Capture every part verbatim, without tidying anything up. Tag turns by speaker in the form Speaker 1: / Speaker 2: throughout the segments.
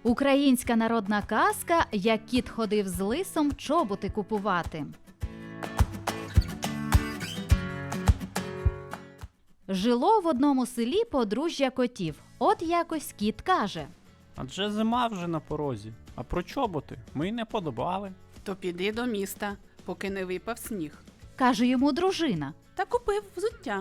Speaker 1: Українська народна казка «Як кіт ходив з лисом чоботи купувати». Жило в одному селі подружжя котів. От якось кіт каже:
Speaker 2: Адже зима вже на порозі, а про чоботи ми й не подобали.
Speaker 3: То піди до міста, поки не випав сніг.
Speaker 1: Каже йому дружина.
Speaker 3: Та купив взуття.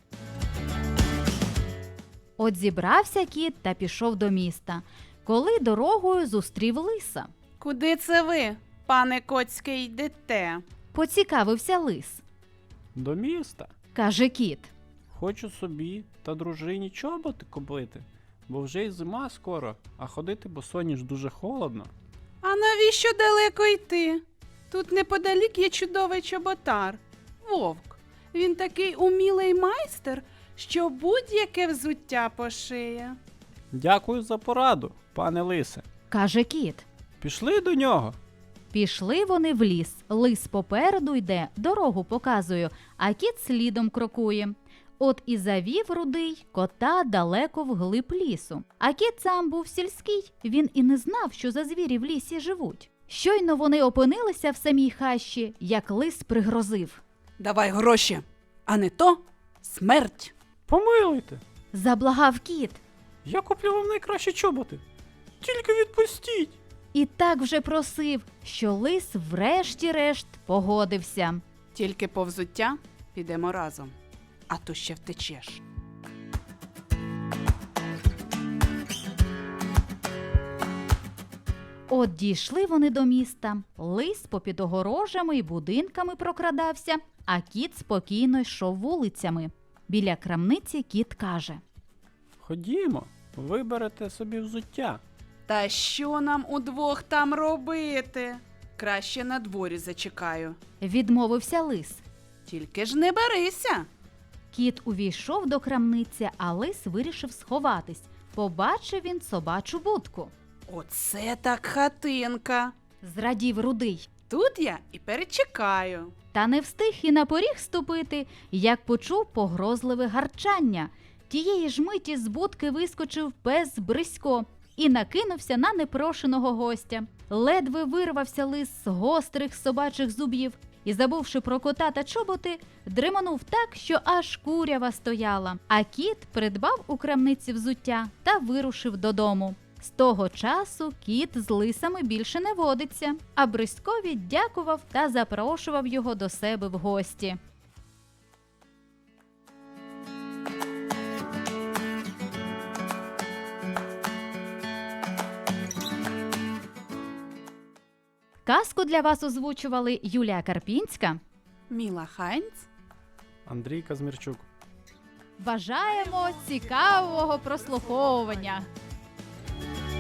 Speaker 1: От зібрався кіт та пішов до міста, коли дорогою зустрів лиса.
Speaker 3: Куди це ви, пане Коцьке, йдете?
Speaker 1: Поцікавився лис.
Speaker 2: До міста.
Speaker 1: Каже кіт.
Speaker 2: Хочу собі та дружині чоботи купити, бо вже й зима скоро, а ходити босоніж дуже холодно.
Speaker 3: А навіщо далеко йти? Тут неподалік є чудовий чоботар. Вовк. Він такий умілий майстер, що будь-яке взуття пошиє.
Speaker 2: Дякую за пораду, пане лисе.
Speaker 1: Каже кіт.
Speaker 2: Пішли до нього.
Speaker 1: Пішли вони в ліс. Лис попереду йде, дорогу показує, а кіт слідом крокує. От і завів рудий кота далеко вглиб лісу. А кіт сам був сільський, він і не знав, що за звірі в лісі живуть. Щойно вони опинилися в самій хащі, як лис пригрозив.
Speaker 3: Давай гроші, а не то смерть.
Speaker 2: Помилуйте.
Speaker 1: Заблагав кіт.
Speaker 2: Я куплю вам найкращі чоботи. Тільки відпустіть.
Speaker 1: І так вже просив, що лис врешті-решт погодився.
Speaker 3: Тільки по взуття підемо разом, а то ще втечеш.
Speaker 1: От дійшли вони до міста. Лис попід огорожами і будинками прокрадався, а кіт спокійно йшов вулицями. Біля крамниці кіт каже:
Speaker 2: Ходімо, виберете собі взуття.
Speaker 3: Та що нам удвох там робити? Краще на дворі зачекаю.
Speaker 1: Відмовився лис.
Speaker 3: Тільки ж не берися.
Speaker 1: Кіт увійшов до крамниці, а лис вирішив сховатись. Побачив він собачу будку.
Speaker 3: Оце так хатинка.
Speaker 1: Зрадів рудий.
Speaker 3: Тут я і перечекаю.
Speaker 1: Та не встиг і на поріг ступити, як почув погрозливе гарчання. Тієї ж миті з будки вискочив пес Брисько і накинувся на непрошеного гостя. Ледве вирвався лис з гострих собачих зубів і, забувши про кота та чоботи, дриманув так, що аж курява стояла. А кіт придбав у крамниці взуття та вирушив додому. З того часу кіт з лисами більше не водиться, а Бриськові дякував та запрошував його до себе в гості. Казку для вас озвучували Юлія Карпінська.
Speaker 3: Міла Хайнц.
Speaker 2: Андрій Казмірчук.
Speaker 1: Бажаємо цікавого прослуховування!